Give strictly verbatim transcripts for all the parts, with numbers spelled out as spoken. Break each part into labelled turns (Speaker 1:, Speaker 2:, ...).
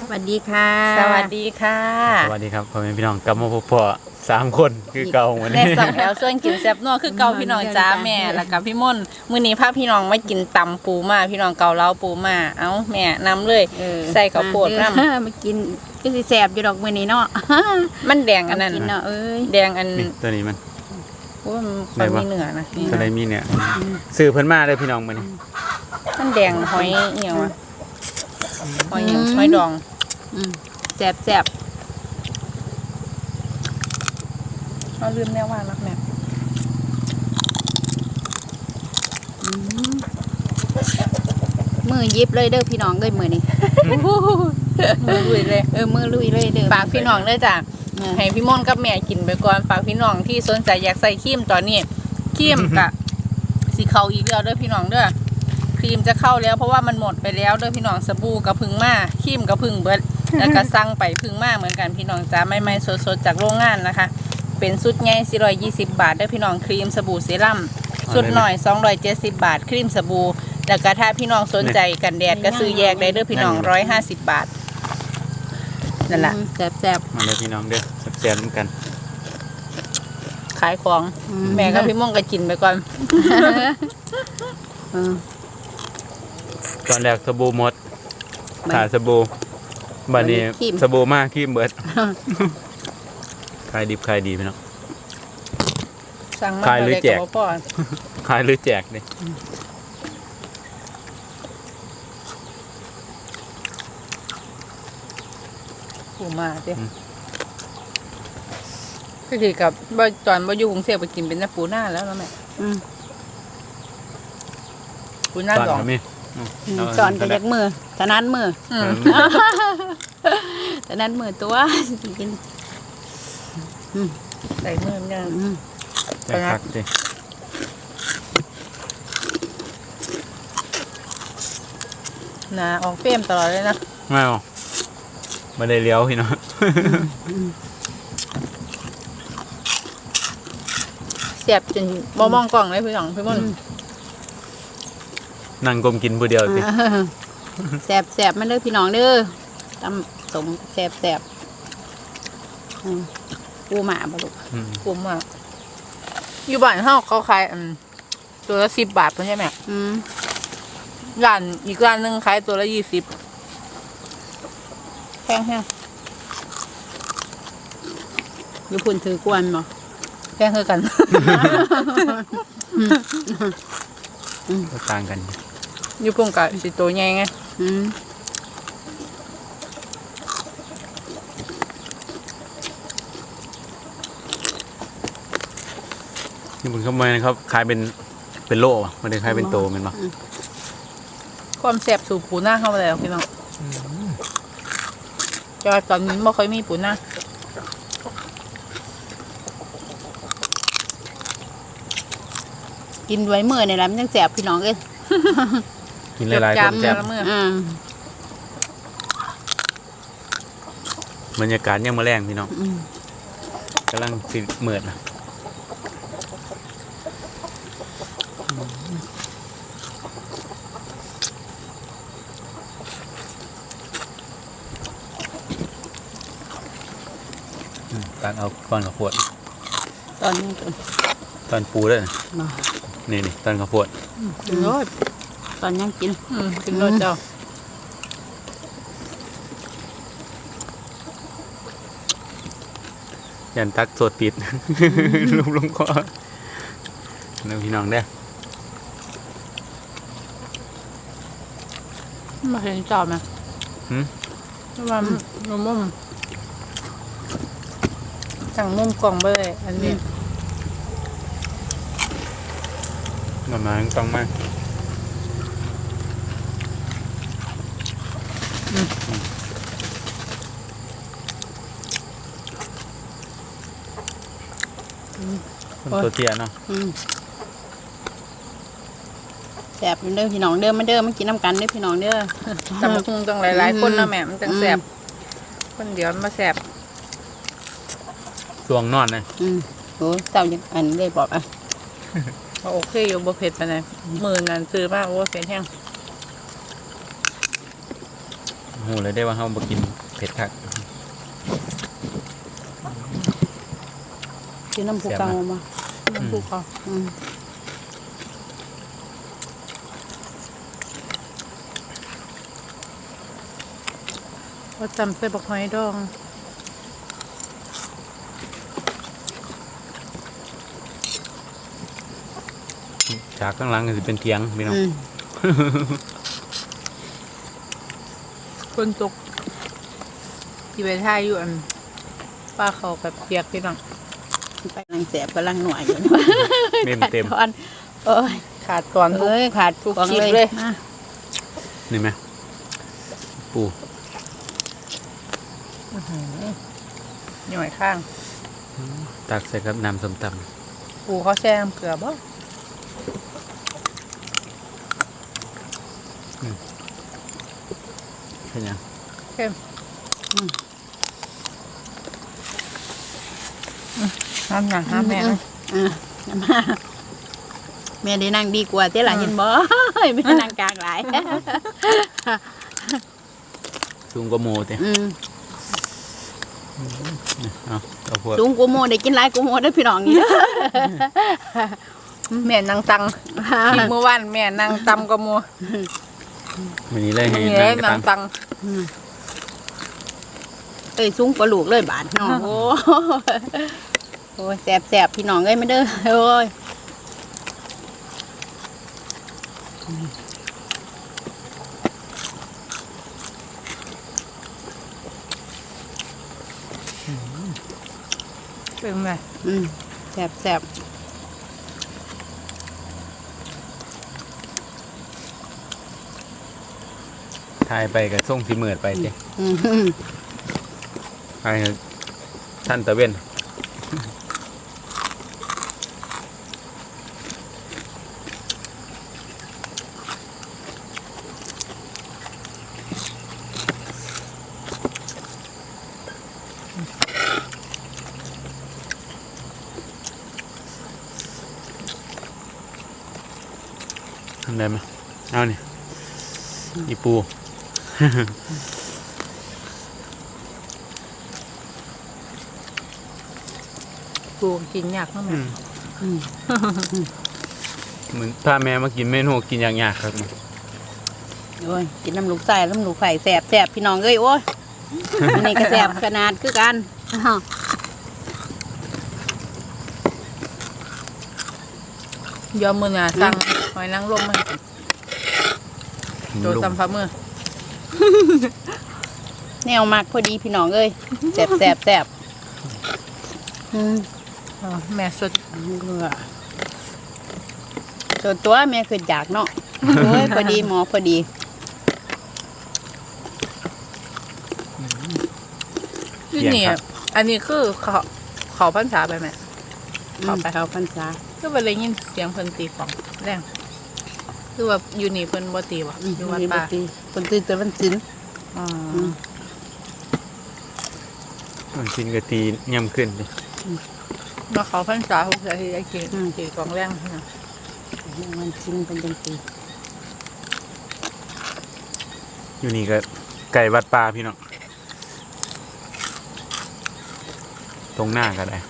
Speaker 1: สวัสดีค่ะ
Speaker 2: สวัสดีค่ะ
Speaker 3: สวัสดีครับพ่อแม่พี่น้องกลับมาพบพ่อสามคนคือเก่าวันนี้
Speaker 2: แม่สองแถวส่วนกินแซ่บนัวคือเก่าพี่น้องจ้าแม่แล้วกับพี่ม่นมื้อนี้พาพี่น้องมากินตำปูมาพี่น้องเกาเหลาปูมาเอ้าแม่นำเลยใส่ข้าวโพดนำ
Speaker 1: มากินก็สิแซ่บอยู่ดอกมื้อนี้เนาะ
Speaker 2: มันแดงอันนั้น
Speaker 1: กินเนาะเอ้ย
Speaker 2: แดงอัน
Speaker 3: นี่ตัวนี้มัน
Speaker 2: โอ้มันมีเนื้อนะ
Speaker 3: ตัวไหนมีเนี่ยซื้อเพิ่นมาเลยพี่น้องมื้อนี้
Speaker 2: มันแดงหอยอีหยังวะหอยหยังหอยดอง
Speaker 1: อืมแซ่บแซ่บ
Speaker 2: เราลืมแน่ว่ารักแม่
Speaker 1: มือยิบเลยเด้อพี่น้องเอ้ยมื้อนี้
Speaker 2: มือลุยเลย
Speaker 1: เออมือลุยเลยเด้อ
Speaker 2: ฝากพี่น้องเด้อจ้ะให้พี่ม่นกับแม่กินไปก่อนฝากพี่น้องที่สนใจอยากใส่ครีมตอนนี้ครีมกะสีเข้าอีกแล้วเด้อพี่น้องเด้อครีมจะเข้าแล้วเพราะว่ามันหมดไปแล้วเด้อพี่น้องสบู่กับพึ่งมาครีมกับพึ่งเบิดแล้วก็สั่งไปพึ่งมาเหมือนกันพี่น้องจ้าไม่ไม่สดๆจากโรงงานนะคะเป็นสุดใหญ่สี่ร้อยยี่สิบบาทเด้อพี่น้องครีมสบู่เซรั่มสุดหน่อยสองร้อยเจ็ดสิบบาทครีมสบู่แล้วก็ถ้าพี่น้องสนใจกันแดดก็ซื้อแยกได้เด้อพี่น้องร้อยห้าสิบบาทนั่นแหละ
Speaker 1: แซ่บแซ่บ
Speaker 3: มาเลยพี่น้องเด้อแซ่บๆเหมือนกัน
Speaker 2: ขายของแม่กับพี่ม่วงก็กินไปก่อน
Speaker 1: เออ
Speaker 3: ตอนแรกสบู่หมดขาสบู่บัดนี้สบู่มากครีมเบิดขายดิบขายดีพี่น้อง
Speaker 2: สั่งมา
Speaker 3: ขายหรือแจก
Speaker 2: พ่อ
Speaker 3: ขายหรือแจกดิ
Speaker 2: ปูมาเด้ก็คือกับบ่ตอนบ่อยู่กรุงเทพไปกินเป็นน้ำปูหน้าแล้วเนาะแม่
Speaker 1: อืม
Speaker 2: ปูหน้า
Speaker 3: ตอน
Speaker 2: ดอง
Speaker 3: ก็มี
Speaker 1: สอนกันจากมือถนัดมือ
Speaker 2: อืม
Speaker 1: ถนัดมือตัวกิน
Speaker 2: ใส่มือมันยัง
Speaker 1: อืม
Speaker 3: ไปคักดิ
Speaker 2: หนาออกเฟรมตลอดเลยนะ
Speaker 3: ไม่เอาไม่ได้เลี้ยวพี่น้อง
Speaker 2: เสียบจนบ่มองกล่องเลยพี่น้องพี่ม่น
Speaker 3: นั่งกลมกินผู้เดียวสิ
Speaker 1: แซ่บแซ่บมันเด้อพี่น้องเด้อตำสมแซ่บแซ่บอืมปูหมาบ่ลูก
Speaker 3: อืม
Speaker 2: ปูมากอยู่บ้านเฮาเขาขายอันตัวละสิบบาทเพิ่นใช่ไหม
Speaker 1: อืม
Speaker 2: ร้านอีกร้านหนึงขายตัวละยี่สิบแพงแฮง
Speaker 1: อยู่พุ่นถือกวนบ่
Speaker 2: แพงคือกัน
Speaker 3: ก็ต่างกัน
Speaker 2: อยู่ปุ่งกับสิตัวใหญ่ไง
Speaker 1: อืม
Speaker 3: นี่ผมเข้ามานะครับขายเป็นเป็นโล่อะไม่ได้ขายเป็นโตเป็นปะ
Speaker 2: ความแซ่บสู่ปูหน้าเข้ามาแล้วพี่น้องจอยตอนนี้ไม่ค่อยมีปูหน้า
Speaker 1: กินไว้มื้อนี่แหละมันจังแซ่บพี่น้องเอ้ย
Speaker 3: กินหลายๆคน
Speaker 2: จำ
Speaker 3: แซ่บ
Speaker 2: ละเมื่อ
Speaker 1: อืม
Speaker 3: บรรยากาศยังมาแรงพี่น้อง
Speaker 1: อืม
Speaker 3: กำลังสิเหมือดนะอืมตักเอาก้อนข้าวโพด
Speaker 1: ตอนนี้ตัว
Speaker 3: ตอนปูด้วยนะ
Speaker 1: มา
Speaker 3: นี่นี่ตอนข้าวโพด
Speaker 2: กินรส
Speaker 1: ตอนยังกิน
Speaker 2: อืมกินรสเจ้า
Speaker 3: ยันตักสดติด ลุมลงคอแล้วพี่น้องได้อ
Speaker 2: มาเห็นจอบไหม
Speaker 3: หืม
Speaker 2: ว่ามุมมุมสั่งมุมกล่องไปเลยอันนี้
Speaker 3: มามาต้องมากคนตัวเตี้ยเนาะ
Speaker 1: อืมแซ่บอยู่เด้อพี่น้องเด้อมาเด้อมากินน้ำกันเด้อพี่น้องเด้อ
Speaker 2: แต่มันคงต้องหลายๆคนนะแม่มันจังแสบคนเดียวมันมาแสบ
Speaker 3: สวงนอนนะ
Speaker 1: อืมโหเจ้ายังอันได้บอกอ่ะ
Speaker 2: โอเคอยู่บ่เผ็ดไปไหนหมื่นนั้นซื้อมากโอ้เผ็ดแห้ง
Speaker 3: หหูเลยได้ว่าเฮาบ่กินเผ็ดคัก
Speaker 1: กินน้ำผูกเกามา
Speaker 2: น้ำปูเขา
Speaker 1: อืม
Speaker 2: ว่าจำใส่บักหอยดอง
Speaker 3: จากข้างหลังก็สิเป็นเถียงพี่น้อง
Speaker 1: อืม
Speaker 2: คนตกที่ไปท่ายอยู่อันป้าเขาแบบเปียกพี่น้อง
Speaker 1: ไปกำลังแสบกำลังหน่วยอยู่
Speaker 3: เต็มเต็ม
Speaker 1: ขาดตอนเอ้ย
Speaker 2: ขาดตอนทุก
Speaker 1: เอ้ยขาด
Speaker 2: ทุก
Speaker 1: กอง
Speaker 2: คลิป
Speaker 1: เลย
Speaker 2: เลย
Speaker 1: มา
Speaker 3: นี่ไหมปู
Speaker 2: หน่อยข้าง
Speaker 3: ตักใส่กับน้ำส้มต
Speaker 2: ปูเขาแช่น้ำเกลือบ่
Speaker 3: ำเป็นยัง
Speaker 2: เข้มห้ามหนังห้ามแม่นะ
Speaker 1: อ่ะอย่ามาแม่ได้นั่งดีกว่าเต้หล่ะเห็นบ่ แม่นั่งกลางหลาย
Speaker 3: สูงกว่าโมเต้
Speaker 1: อืม
Speaker 3: เอาเอาพวก
Speaker 1: สูงกูโมได้กินหลายกูโมได้อพี่น้องนี่เด้อ
Speaker 2: แม่นางตังคลิปเมื่อวานแม่นางตำกระมัว
Speaker 3: วันนี้เลยให้
Speaker 2: นี่
Speaker 3: นั่
Speaker 2: เล
Speaker 3: ง
Speaker 2: ย
Speaker 3: กระ
Speaker 2: นา
Speaker 3: ตั
Speaker 2: ง
Speaker 3: ง
Speaker 2: ตัง
Speaker 1: เอ้ยสูงกว่าลูกเลยบาทน้องโอ้โอ้ยแสบแสบพี่น้องเอ้ยไม่เด้อโอ้ย
Speaker 2: เป็นไง
Speaker 1: อืมแสบแสบ
Speaker 3: ถ่ายไปกับส่งสีเหมือดไปเต้
Speaker 1: อืม
Speaker 3: ไปท่านตะเว้นทำได้ไหมเอาเนี่ยอีปู
Speaker 2: ปูกินยากมากแม่
Speaker 1: อืม
Speaker 3: เหมือนถ้าแม่มากินเมนูกินอย่างยากครับ
Speaker 1: โอ้ยกินน้ำลูกใส่น้ำลูกไข่แสบแสบพี่น้องเอ้ยโอ้ยอันนี้ก็แสบขนาดคือกันอ้าว
Speaker 2: ยอมมือหนาสั่งหอยนางรมมาโดน
Speaker 3: ลุง
Speaker 2: ตำฟ้ามือ
Speaker 1: แนวมากพอดีพี่น้องเอ้ยแสบแสบแสบอืม
Speaker 2: อ๋อแม่สด
Speaker 1: เบื่อส่วนตัวแม่คืออยากเนาะโอ้ยพอดีหมอพอดี
Speaker 2: ที่นี่อันนี้คือเขาเขาพันษาไปไหม
Speaker 1: เข้าไปเขาพรรษา
Speaker 2: ก็ไปเลยยินเสียงเพิ่นตีของแรงคือว่าอยู่นี่เพิ่นบ่ตีวะอยู่วัดป่า
Speaker 1: คนตื่นแต่วันศิล
Speaker 2: อ๋อ
Speaker 3: มันกินกะตีย่ำขึ้นเลย
Speaker 2: มาเขาพันษาหกสาที่ได้กินตีของแรงนะ
Speaker 1: วันศิลเป็นจังสี
Speaker 3: อยู่นี่ก็ไก่วัดป่าพี่น้องตรงหน้าก็ได้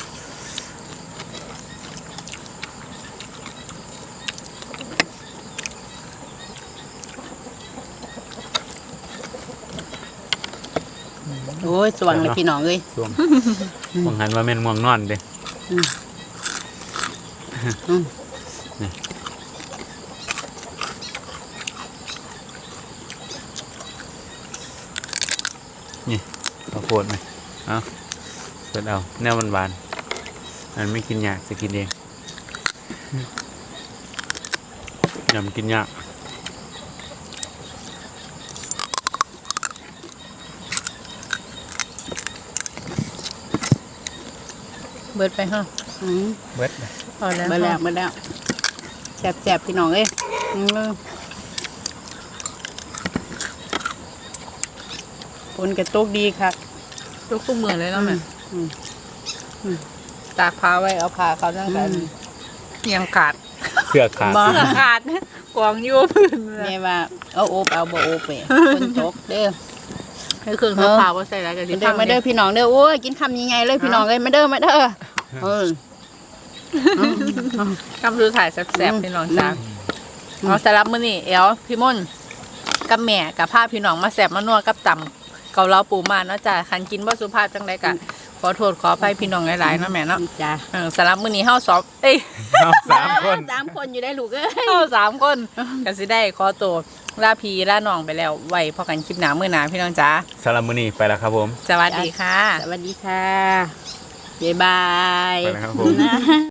Speaker 1: โอ้ยสว่างเลยพี่น้องเอ้ย
Speaker 3: ช่วงมองหันว่าแม่นม่วงนอนเด้
Speaker 1: อืมอืม
Speaker 3: นี่ข้าวโพดไหมเอาเปิดเอาแนวหวานๆอันไม่กินยากจะกินเองยำกินยาก
Speaker 2: เบิดไปฮะ
Speaker 1: อืม
Speaker 3: เบิด
Speaker 2: พอแล้ว
Speaker 1: มาแล้วมาแล้วแสบแสบพี่น้องเอ้ยอืมฝนกระตกดีครับ
Speaker 2: ทุกทุกมือเลยเนาะแม่
Speaker 1: อืมอืม
Speaker 2: ตากผ้าไว้เอาผ้าเขาตั้งแต่ยังขาด
Speaker 3: เสื้อขาด
Speaker 1: บ่
Speaker 2: ขาดกวางอยู่พื้น
Speaker 1: แม่ว่าเอาโอบเอาบ่โอบไปฝนตกเด้อ
Speaker 2: ให้เครื่องซักผ้าว่าใส่อะไรกันสิ
Speaker 1: เด้อมาเด้อพี่น้องเด้อโอ้ยกินคำยังไงเลยพี่น้องเลยมาเด้อมาเด้อเออ
Speaker 2: คำคือถ่ายแซ่บๆพี่น้องจ้าเอาสำหรับมื้อนี้เอลพี่ม่นกับแม่กับภาพพี่น้องมาแซ่บมานัวกับต่ำเกาเหลาปูมาเนาะจ้าคันกินบ่สุภาพจังได๋กันขอโทษขออภัยพี่น้องหลายๆเนาะแม่เนาะ
Speaker 1: จ้า
Speaker 2: เออสำหรับมื้อนี้เฮาสอบเอ้ย
Speaker 3: เอาสามคน
Speaker 1: สามคนอยู่ได้ลูกเอ้ย
Speaker 2: เฮาสามคนก็สิได้ขอตัวลาพี่ลาน้องไปแล้วไว้พอกันคลิปหน้ามื้อหน้าพี่น้องจ้า
Speaker 3: สำหรับมื้อนี้ไปแล้วครับผม
Speaker 2: สวัสดีค่ะ
Speaker 1: สวัสดีค่ะบ๊ายบาย
Speaker 3: ไปแล้วครับผม
Speaker 1: นะ